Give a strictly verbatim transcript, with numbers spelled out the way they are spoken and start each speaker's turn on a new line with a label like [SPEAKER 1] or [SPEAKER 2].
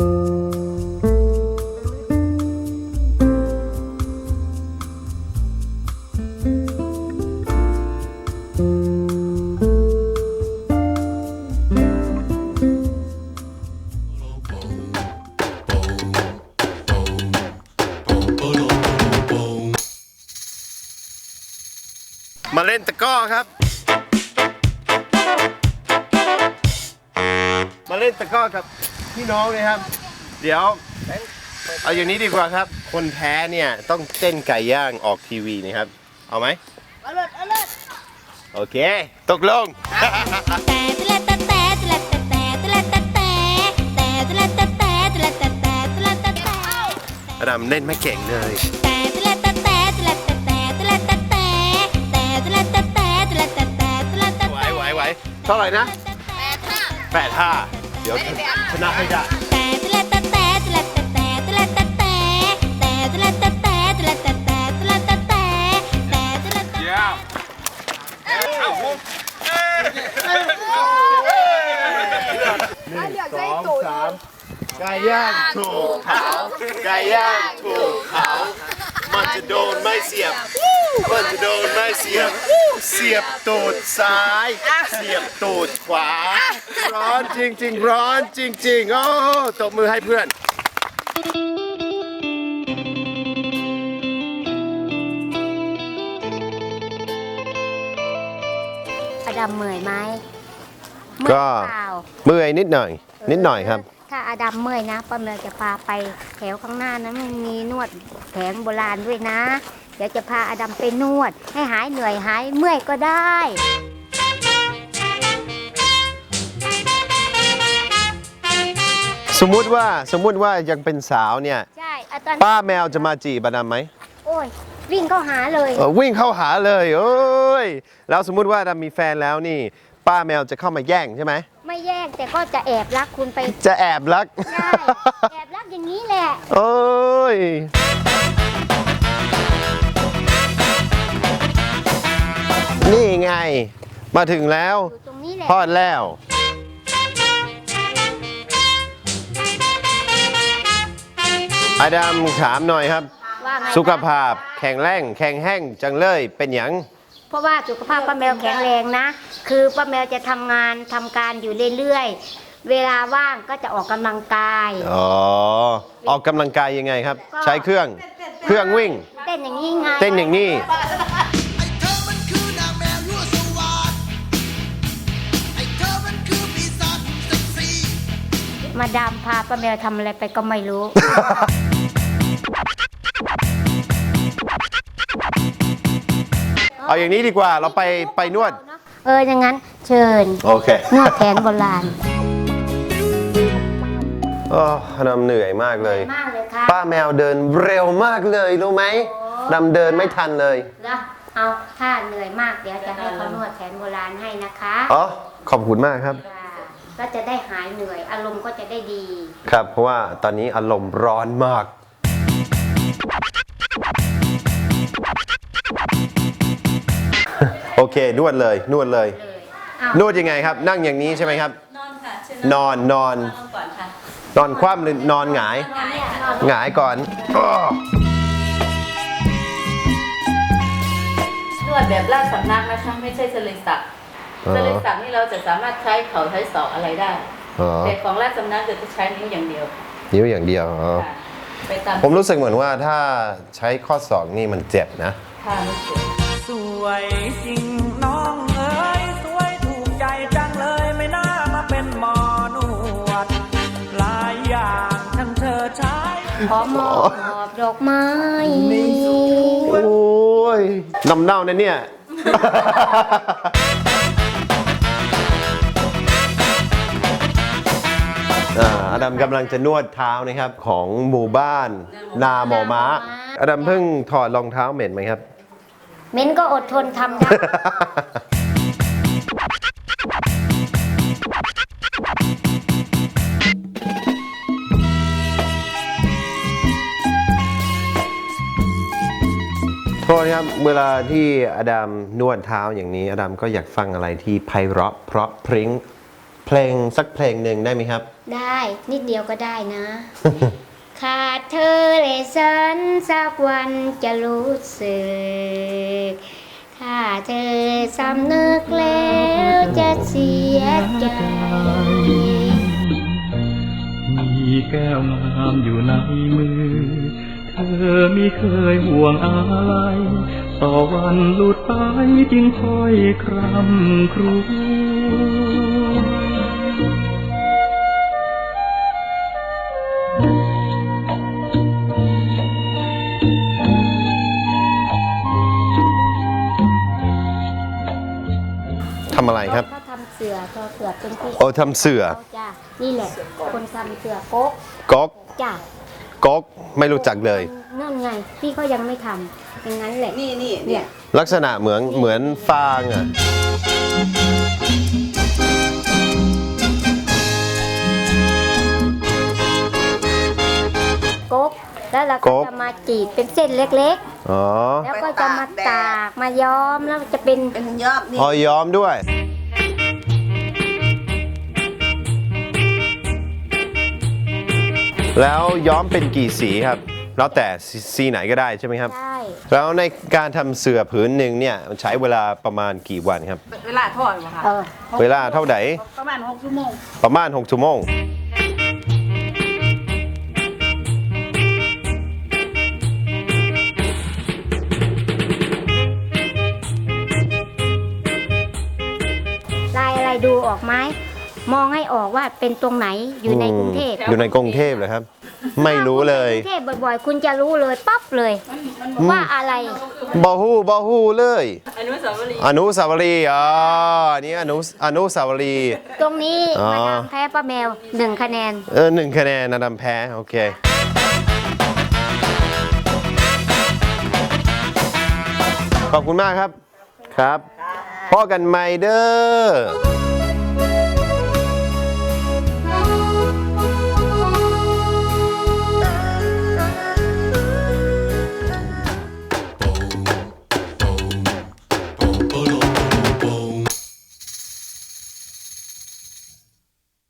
[SPEAKER 1] มาเล่นตะก้อครับมาเล่นตะก้อกับพี่น้องเลยครับเดี๋ยวเอาอย่างนี้ดีกว่าครับคนแพ้เนี่ยต้องเต้นไก่ย่างออกทีวีนะครับเอาไหมเอาเลยเอาเลยโอเคตกลงอดัมเล่นไม่เก่งเลยไหวไหวไหวเท่าไหร่นะแปดห้าเดี๋ยวชนะให้ได้หนึ่งสองสามไก่ย่างถูกเผาไก่ย่างถูกเผามันจะโดนไม่เสียบมันจะโดนไม่เสียบเสียบตูดซ้ายเสียบตูดขวาร้อนจริงๆร้อนจริงๆโอ้ตบมือให้เพื่อน
[SPEAKER 2] อดัมเมื่อยไหม
[SPEAKER 1] ก็เมื่อยนิดหน่อยนิดหน่อยครับ
[SPEAKER 2] ถ้าอดัมเมื่อยนะป้าเมย์จะพาไปแถวข้างหน้านะมันมีนวดแผนโบราณด้วยนะเดี๋ยวจะพาอดัมไปนวดให้หายเหนื่อยหายเมื่อยก็ได้
[SPEAKER 1] สมมุติว่าสมมุติว่ายังเป็นสาวเนี่ยป้าแมวจะมาจีบอดัมไหม
[SPEAKER 2] โอ้ยวิ่งเข้าหาเลย
[SPEAKER 1] วิ่งเข้าหาเลยโอ้ยแล้วสมมุติว่าอดัมมีแฟนแล้วนี่ป้าแมวจะเข้ามาแย่งใช่ไหม
[SPEAKER 2] ไม่แย่งแต่ก็จะแอบรักคุณไป
[SPEAKER 1] จะแอบรัก
[SPEAKER 2] ใช่แอบรักอย่างนี้แหละ
[SPEAKER 1] โอ้ยนี่ไงมาถึงแล้วพอดแล้วอดัมถามหน่อยครับสุขภาพแข็งแรงแข็งแห้งจังเลยเป็นอย่าง
[SPEAKER 2] เพราะว่าสุขภาพป้าแมวแข็งแรงนะคือป้าแมวจะทำงานทำการอยู่เรื่อยๆเวลาว่างก็จะออกกำลังกาย
[SPEAKER 1] อ๋อออกกำลังกายยังไงครับใช้เครื่องเครื่องวิ่ง
[SPEAKER 2] เต้นอย่างนี้ไง
[SPEAKER 1] เต้นอย่างนี้
[SPEAKER 2] มาดามพาป้าแมวทำอะไรไปก็ไม่รู้
[SPEAKER 1] เอาอย่างนี้ดีกว่าเราไปไปนวด
[SPEAKER 2] เอออย่างนั้นเชิญ
[SPEAKER 1] โอเคน
[SPEAKER 2] วดแผนโบราณ
[SPEAKER 1] โอ้ดำเหนื่อยมากเลยป้าแมวเดินเร็วมากเลยรู้ไหมดำเดินไม่ทันเลย
[SPEAKER 2] แล้วเอาถ้าเหนื่อยมากเดี๋ยวจะให้เขานวดแผนโบราณให้นะคะ
[SPEAKER 1] อ๋อขอบคุณมากครับ
[SPEAKER 2] ก็จะได้หายเหนื่อยอารมณ์ก็จะได้ดี
[SPEAKER 1] ครับเพราะว่าตอนนี้อารมณ์ร้อนมากโอเคนวดเลยนวดเลยนวดยังไงครับนั่งอย่างนี้ใช่ไหมครับนอนค่ะนอนนอนนอนคว่ำหรือนอนหงายหงายก่อน
[SPEAKER 3] นวดแบบราชสำนักนะคะไม่ใช่เสลศักดิ์เสลศักดิ์นี่เราจะสามารถใช้เข่าใช้ศอกอะไรได้แต่ของราชสำนักจะใช้นิ้วอย่างเดียว
[SPEAKER 1] นิ้วอย่างเดียวผมรู้สึกเหมือนว่าถ้าใช้ข้อศอกนี่มันเจ็บนะ
[SPEAKER 4] สวยจริงน้องเอ๋ยสวยถูกใจจังเลยไม่น่ามาเป็นหมอนวดหลายอย่างทั้งเธอใช้
[SPEAKER 2] ขอมอบดอกไม้
[SPEAKER 1] โอ้ยน้ำเน่าเนี่ยเนี่ยอดัมกำลังจะนวดเท้านะครับของหมู่บ้านนาหมอม้าอดัมเพิ่งถอดรองเท้าเหม็นไหมครับ
[SPEAKER 2] เหม็นก็อดทนทำได้
[SPEAKER 1] โทษครับเวลาที่อดัมนวดเท้าอย่างนี้อดัมก็อยากฟังอะไรที่ไพเราะเพราะพริ้งเพเพลงสักเพลงหนึ่งได้ไหมครับ
[SPEAKER 2] ได้นิดเดียวก็ได้นะ ขาดเธอและฉันสักวันจะรู้สึกถ้าเธอสำนึกแล้วจะเสียใจ
[SPEAKER 4] มีแก้วงามอยู่ในมือ เธอไม่เคยห่วงอะไร ต่อวันหลุดไปจึงค่อยครำครวญ
[SPEAKER 1] ทำอะไรครับ
[SPEAKER 2] เขาทำเสือทอเสือเป็นที่
[SPEAKER 1] โอ้ทำเสือ
[SPEAKER 2] เขาจ้ะนี่แหละ คนทำเสือโก๊ก
[SPEAKER 1] ก๊อก
[SPEAKER 2] จ้ะ
[SPEAKER 1] ก๊อกไม่รู้จักเลย
[SPEAKER 2] นั่นไงพี่เขายังไม่ทำอย่างนั้นแหละ
[SPEAKER 3] นี่นี่
[SPEAKER 2] เนี่ย
[SPEAKER 1] ลักษณะเหมือนเหมือนฟางอ่ะ
[SPEAKER 2] โก๊กแล้วเรา
[SPEAKER 1] โก๊
[SPEAKER 2] ก็
[SPEAKER 1] ก
[SPEAKER 2] จะมาจีดเป็นเส้นเล็ก
[SPEAKER 1] อ๋อ
[SPEAKER 2] ๆ แล้วก็จะมาตากมาย้อมแล้วจะเป็น
[SPEAKER 3] เป็นยอดนี่
[SPEAKER 1] พอย้อมด้วย แล้วย้อมเป็นกี่สีครับ แล้วแต่สีไหนก็ได้ใช่ไหมครับ
[SPEAKER 2] ใช่
[SPEAKER 1] แล้วในการทำเสือผืนหนึ่งเนี่ยใช้เวลาประมาณกี่วันครับ
[SPEAKER 3] เวลาทอดเหรอคะ
[SPEAKER 2] เออ
[SPEAKER 1] เวลาเท่าไหร่
[SPEAKER 3] ประมาณหกชั่วโมง
[SPEAKER 1] ประมาณหกชั่วโมง
[SPEAKER 2] ลายอะไรดูออกไหมมองให้ออกว่าเป็นตรงไหนอยู่ในกรุงเทพ
[SPEAKER 1] อยู่ในกรุงเทพเหรอครับ ไม่รู้เลย
[SPEAKER 2] กรุงเทพบ่อยๆ คุณจะรู้เลยปั๊บเลยว่าอะไร
[SPEAKER 1] บอฮูบอฮูเลย
[SPEAKER 3] อนุสาวรีย์
[SPEAKER 1] อนุสาวรีย์อ๋ออันนี้อนุอนุสาวรีย์
[SPEAKER 2] ตรงนี้
[SPEAKER 1] อ๋อ
[SPEAKER 2] มาดามแพ้ป้าแมวหนึ่งคะแนน
[SPEAKER 1] เออหนึ่งคะแนนนะดำแพ้ โอเค ขอบคุณมากครับ ครับพ่อกันใหม่เด้อ